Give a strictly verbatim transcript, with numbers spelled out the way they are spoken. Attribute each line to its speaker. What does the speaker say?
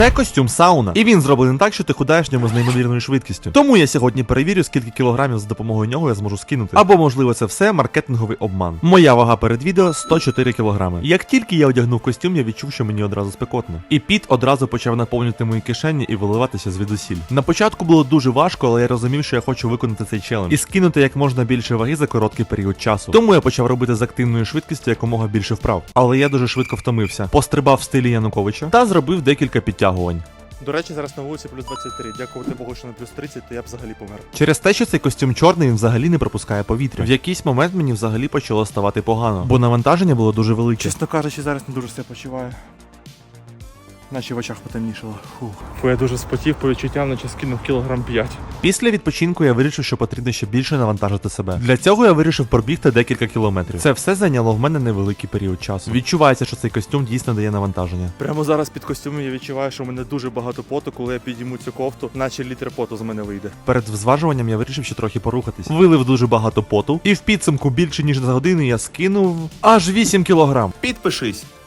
Speaker 1: Це костюм сауна, і він зроблений так, що ти худаєш в ньому з неймовірною швидкістю. Тому я сьогодні перевірю, скільки кілограмів за допомогою нього я зможу скинути. Або, можливо, це все маркетинговий обман. Моя вага перед відео сто чотири кілограми. Як тільки я одягнув костюм, я відчув, що мені одразу спекотно. І піт одразу почав наповнювати мої кишені і виливатися звідусіль. На початку було дуже важко, але я розумів, що я хочу виконати цей челендж і скинути як можна більше ваги за короткий період часу. Тому я почав робити з активною швидкістю якомога більше вправ. Але я дуже швидко втомився. Пострибав в стилі Януковича та зробив декілька підтягувань.
Speaker 2: До речі, зараз на вулиці плюс двадцять три. Дякувати Богу, що на плюс тридцять, то я б взагалі помер.
Speaker 1: Через те, що цей костюм чорний, він взагалі не пропускає повітря. В якийсь момент мені взагалі почало ставати погано, бо навантаження було дуже велике.
Speaker 2: Чесно кажучи, зараз не дуже себе почуваю. Наче в очах потемнішало. Фух. Фу, я дуже спотів, по відчуттям, наче скинув кілограм п'ять.
Speaker 1: Після відпочинку я вирішив, що потрібно ще більше навантажити себе. Для цього я вирішив пробігти декілька кілометрів. Це все зайняло в мене невеликий період часу. Відчувається, що цей костюм дійсно дає навантаження.
Speaker 2: Прямо зараз під костюмом я відчуваю, що в мене дуже багато поту, коли я підійму цю кофту, наче літр поту з мене вийде.
Speaker 1: Перед зважуванням я вирішив ще трохи порухатись. Вилив дуже багато поту, і в підсумку більше ніж за годину я скинув аж вісім кілограм.
Speaker 2: Підпишись!